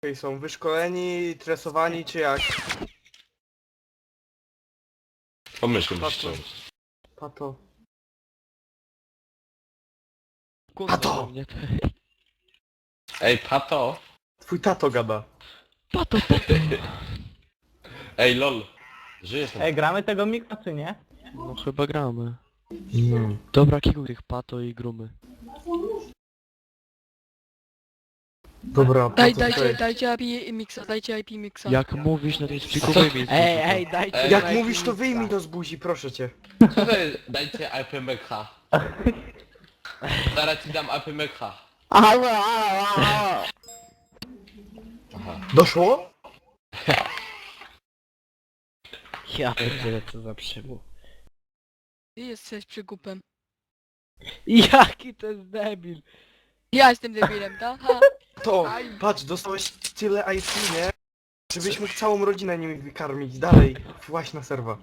są wyszkoleni, tresowani czy jak? Pomyśl, Pato. Pato. Kurwa, Pato! mnie. Ej, Pato! Twój tato gada. Pato. Ej, lol! Żyjesz tam? Ej, gramy tego miksa czy nie? No chyba gramy. No. Dobra, kikuj tych pato i grumy. Dobra, Pato, Dajcie IP mixa, dajcie IP mixa. Jak mówisz, no to jest pikuj. Ej, dajcie Ej, Jak mi mówisz to miksa. wyjmij to z buzi, proszę cię. Co to jest? Dajcie IPMK. Zaraz ci dam IPMK. Aha. Doszło? Ja pierdzielę, co za przymu. Ty jesteś przygupem. Jaki to jest debil. Ja jestem debilem, tak? Ha. To, patrz, dostałeś tyle IP, nie? Żebyś mógł całą rodzinę nimi wykarmić. Dalej, właśnie na serwa.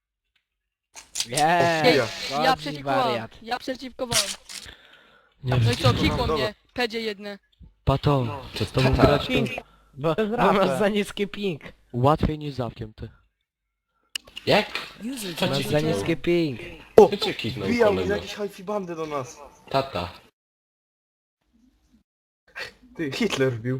Nie. Chuja. Ja przeciwkowałem. Ja przeciwkowałem. Nie No i co, wiem. kikło Dobra. mnie. Pedzie jedne. Pato, Co z tobą tata? grać to Bo masz za niski ping. łatwiej niż zawkiem ty. Jak? Co Masz ci za niski ping. Co cię kiknął Wbijał mi kolego? jakieś hi-fi bandy do nas. Tata. Ty, Hitler wbił.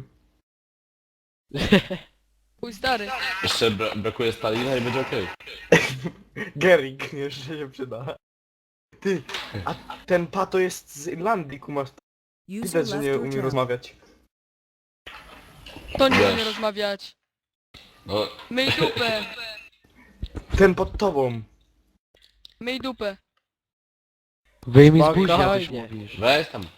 Mój stary. Jeszcze brakuje Stalina i będzie okej. Gering jeszcze się przyda. Ty, a ten Pato jest z Irlandii, kumasz. Widać, że nie umie rozmawiać. To nie Wiesz. umie rozmawiać. No, Myj dupę. Ten pod tobą. Myj dupę. Wyjmij z buzi, jak Spokojnie. mówisz. weź tam.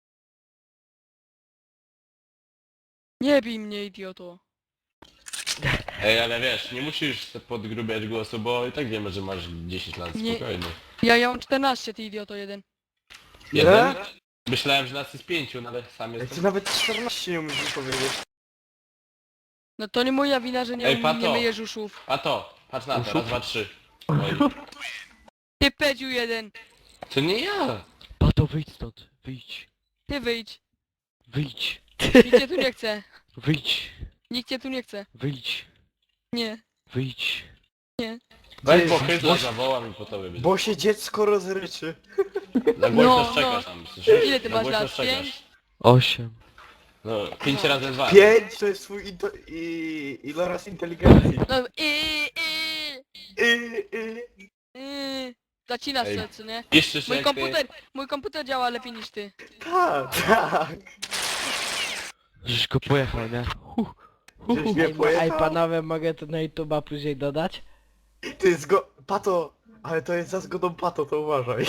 Nie bij mnie, idioto. Ej, ale wiesz, nie musisz podgrubiać głosu, bo i tak wiemy, że masz 10 lat, Nie. spokojnie. Ja mam 14, ty idioto jeden. Jeden? Myślałem, że nas jest 5, no ale sam Ty jestem. nawet 14 nie umiesz powiedzieć. No to nie moja wina, że Ej, nie Pato. myjesz uszów. Pato, patrz na to, Uszów? raz, dwa, trzy. Oj. Ty pedziu jeden. To nie ja! Pato, wyjdź stąd. Wyjdź. Ty wyjdź. Wyjdź. Nikt cię tu nie chce. Wyjdź. Nikt cię tu nie chce. Wyjdź. Nie. Wyjdź. Weź Ty, po chytla bo- zawołam i po tobie będzie. Bo się dziecko rozryczy. Na głośno No, szczekasz no. tam, słyszysz? Ile ty Na masz głośno lat? szczekasz. 5? 8. No, 5 razy 2. 5 to jest twój iloraz inteligencji. No Zacinasz Ej. się, co nie? Jeszcze się Mój komputer działa lepiej niż ty. Tak, tak. Żeś go pojechał, nie? Żeś mnie Ej, pojechał. panowie, mogę to na YouTube'a później dodać? Ty Pato, ale to jest za zgodą Pato, to uważaj.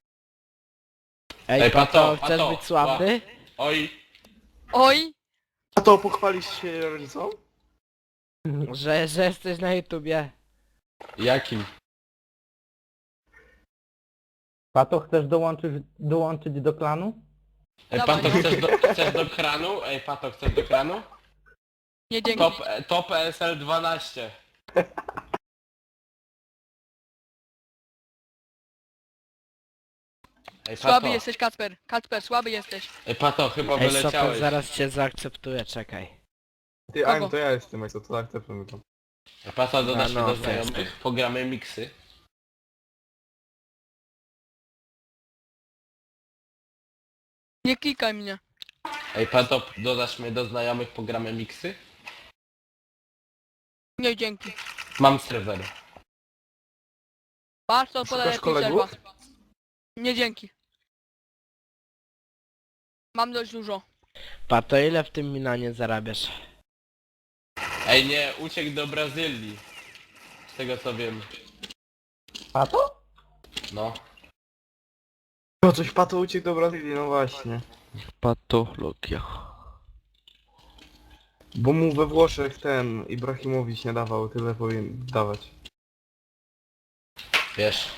Ej, Ej, Pato, chcesz Pato, być sławny? Oj, Oj! Pato, pochwalisz się rodzicom? Że jesteś na YouTubie. jakim? Pato, chcesz dołączyć do klanu? Ej, Dawaj. Pato, chcesz do kranu? Ej, Pato, chcesz do kranu? Nie dzięki. Top ESL 12. Ej, Słaby Pato, jesteś, Kacper. Kacper, słaby jesteś. ej, Pato, chyba Ej, Sopel, wyleciałeś. zaraz cię zaakceptuję, czekaj. Ty, Kogo? Aim, to ja jestem, jak to tak pamiętam. Ej, Pato, dodasz No, mnie do no, znajomych, pogramy miksy. Nie klikaj mnie. Ej, Pato, dodasz mnie do znajomych, pogramy miksy? Nie dzięki. Mam serwer. Patrz, to Szukasz podaję kolegów? serwa. Nie dzięki. Mam dość dużo. Pato, ile w tym Milanie zarabiasz? Ej, nie, uciekł do Brazylii. Z tego co wiem. Pato? No. No coś Pato uciekł do Brazylii, no właśnie. Patologia. Bo mu we Włoszech ten Ibrahimowicz nie dawał, tyle powinien dawać. Wiesz.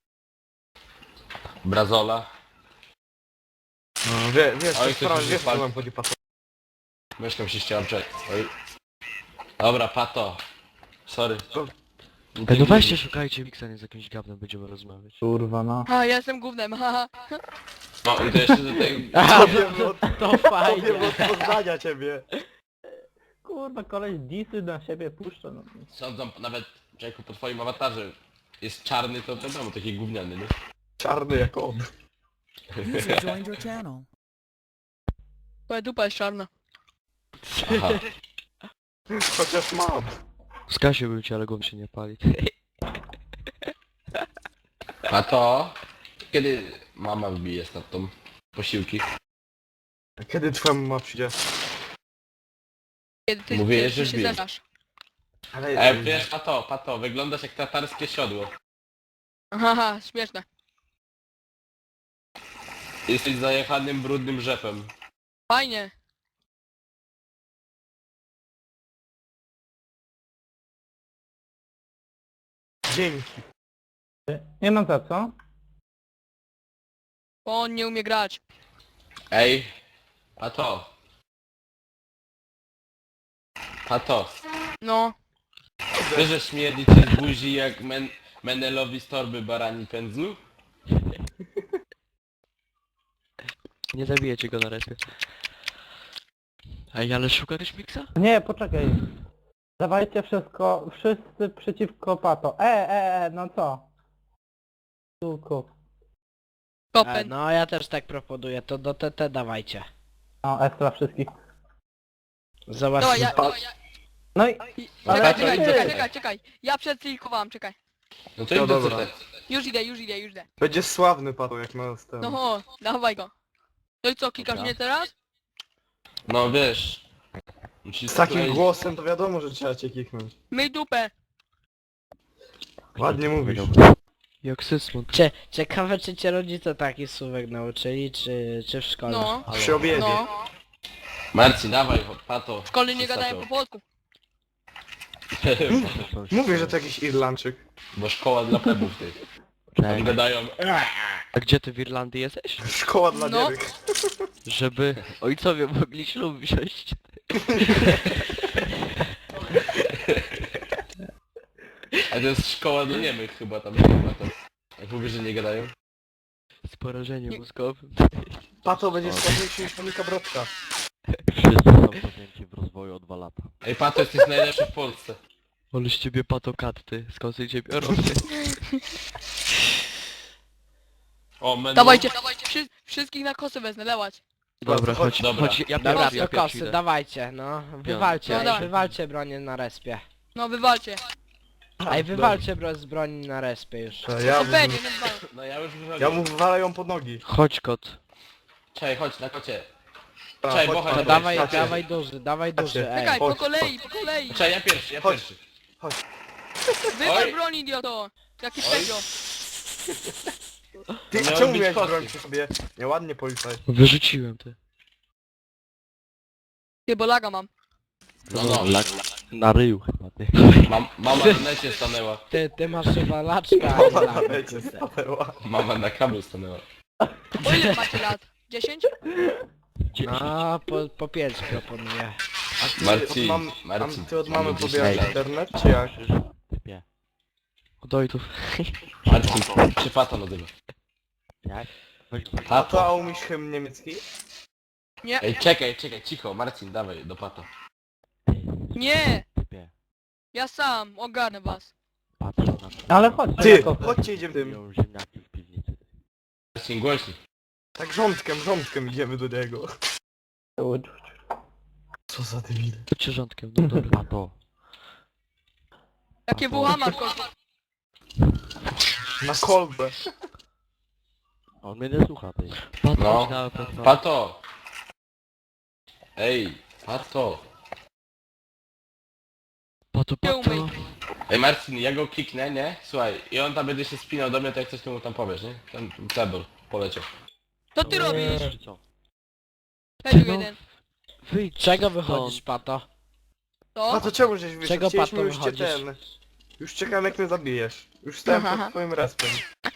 Brazola. No, wiesz, Oj, to ktoś sprawa, już wiesz, co wypadł. nam chodzi Pato. Myszką się ściąłem, czekaj. Oj. Dobra, Pato. Sorry. Ej, no weźcie, szukajcie miksa, nie z jakimś gawnem będziemy rozmawiać. Kurwa, no. A, ja jestem gównem, haha. No i to jeszcze do tej... To wiem od, To to fajnie. wiem od Poznania ciebie. kurwa, koleś disy na siebie puszcza, no. Sądzą nawet, człowieku, po twoim awatarze jest czarny, to wiadomo, taki gówniany, nie? Czarny jak on. User joined your channel. Twoja dupa jest czarna. Aha. Chociaż mam. Skasiłbym cię, ale głową się nie pali. A to... Kiedy mama wbije z tą posiłki? A kiedy twoja mama przyjdzie? Kiedy ty, Mówię, kiedy że ty się wbije. zesrasz. Ale Wiesz, pato, wyglądasz jak tatarskie siodło. Haha, śmieszne. Jesteś zajechanym, brudnym rzepem. Fajnie. dzięki. Nie mam za co? Bo on nie umie grać. Ej, pato. Pato, No. wiesz, że śmierdzi ci z buzi jak Menelowi z torby barani pędzlu? Nie zabijecie go na respie. Ej, ale szukałeś miksa? Nie, poczekaj. Dawajcie wszystko, wszyscy przeciwko Pato. No co? Tuku. Kopen. No ja też tak proponuję, to do TT dawajcie. No, S dla wszystkich. Dawaj, Zobaczcie. ja... No i... Ale Czekaj, to czekaj, idę. czekaj. Ja przedklikowałem, czekaj. No to No idź dobra. do CT. Już idę. Będzie sławny Pato jak ma z tym. No, dawaj go. No i co, klikasz Dobra. mnie teraz? No wiesz. Musisz Z takim skleić- głosem to wiadomo, że trzeba cię kiknąć. Myj dupę. Ładnie mówisz. Jak Sysmund. Ciekawe czy cię rodzice taki słówek nauczyli, czy w szkole? No. Przy obiedzie. No. Marcin, dawaj, pato. W szkole nie gadają po polsku. Mówię, że to jakiś Irlandczyk. Bo szkoła dla plebów ty. Tam Czekaj. gadają. A gdzie ty w Irlandii jesteś? Szkoła dla No. niebych. Żeby ojcowie mogli ślub wziąć. A to jest szkoła dla niemych chyba tam chyba to. Jak mówisz, że nie gadają? Z porażeniem mózgowym. Pato będzie sławniejszy niż Monika Brodka. Wszyscy są pamięci w rozwoju o 2 lata. Ej pato, jesteś najlepszy w Polsce. Ale z ciebie patokat, ty. Skąd się ciebie biorą? O, men. Dawajcie, wszystkich na kosy wezmę, lełać. Dobra, chodź, Dobra. chodź, ja Dobra, pierwszy, ja to pierwszy kosy, idę. dawajcie, no. Wywalcie, No dawaj. wywalcie bronię na respie. No wywalcie. Ej, wywalcie z broni na respie już. To ja, No pewnie, no dwa. No ja już wychodzę. ja mu wywalę ją pod nogi. Chodź kot. Czekaj, chodź na kocie. A, Czekaj, chodź, bo chodź, No Pato, dawaj, chodź. dawaj duży, ej. Czekaj, chodź, po kolei. Czekaj, ja pierwszy. Chodź. Wywal Oj. broń, idioto. Jaki Oj. pedio. Ty To miały czemu być miałeś kosy. broń przy sobie? Nieładnie policaj. Wyrzuciłem ty. Ty, bo laga mam. No. Na ryju chyba, ty. Mama na necie stanęła. Ty masz chyba laczka. Mama a na nie lecie lampę. stanęła. Mama na kablu stanęła. O ile macie lat? 10? No, po 5 proponuję. A ty Marcin, od Marcin, a ty od mamy mamy gdzieś pobierasz znajdę. internet, czy jak? Typie. Od ojców. Marcin, czy pato nazywa? Jak? A to a umiesz hymn niemiecki? Nie, Ej, czekaj, cicho, Marcin, dawaj, do pato. nie. Typie. Ja sam, ogarnę was. Patrzę na to. Ale chodź, Ty, jako- chodźcie idziemy tym. Piją ziemniaki w piwnicy. Marcin, głośniej. Tak rządkiem idziemy do niego. Co za debil. Chodźcie rządkiem, no dobra. A to. Jakie bucha masz, kościół? Na kolbę. On mnie nie słucha, ty. Patrz No. na pewno. Pato! Ej, pato! Pato, Nie umyj. pato. Ej Marcin, ja go kliknę, nie? Słuchaj, i on tam będzie się spinał do mnie, to jak coś ty mu tam powiesz, nie? Ten cebol poleciał. Co ty robisz? Czy co? Pedio No. jeden. Wyjdź Czego stąd. wychodzisz, Pato? To? A to czemu żeś wyszedł? Czego Chcieliśmy Pato już cię wychodzisz? ten. Już czekam jak mnie zabijesz. Już stałem Aha. pod twoim respem.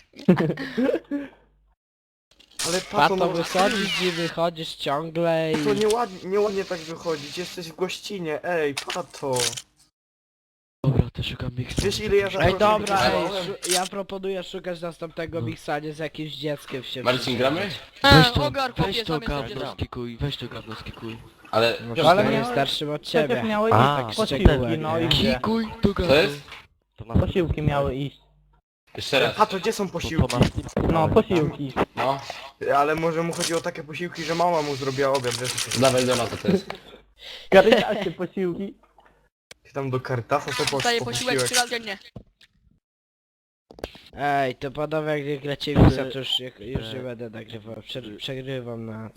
Ale Pato, Pato, no wychodzisz i wychodzisz ciągle i... to nieładnie tak wychodzić, jesteś w gościnie, ej, Pato. Dobra, to szukam miksa. Wiesz ile ja za Ej, dobra, ej, wygrałem? ja proponuję szukać następnego miksania z jakimś dzieckiem się Marcin, gramy? Weź to, Ogar, weź chłopie, to sam gawno jesteś. skikuj, weź to gawno skikuj. Ale... Może Ale to miałeś- jest starszym od Przecież ciebie. miały A, iść tak posiłki, szczegółek, no i nie? gdzie? Kikuj do Co gazu. jest? To ma Posiłki miały iść. Jeszcze raz. Pato, gdzie są to posiłki? ma z tym No, wspólnego. posiłki. No. Ale może mu chodzi o takie posiłki, że mama mu zrobiła obiad, wiesz? Dawaj do nas, to jest. Karytacie posiłki. Ty tam do Caritasa sobie Dostaję po posiłek posiłek. 3 razy dziennie. Ej, to panowie jak gracie Wixa, to już nie będę nagrywał. Przegrywam na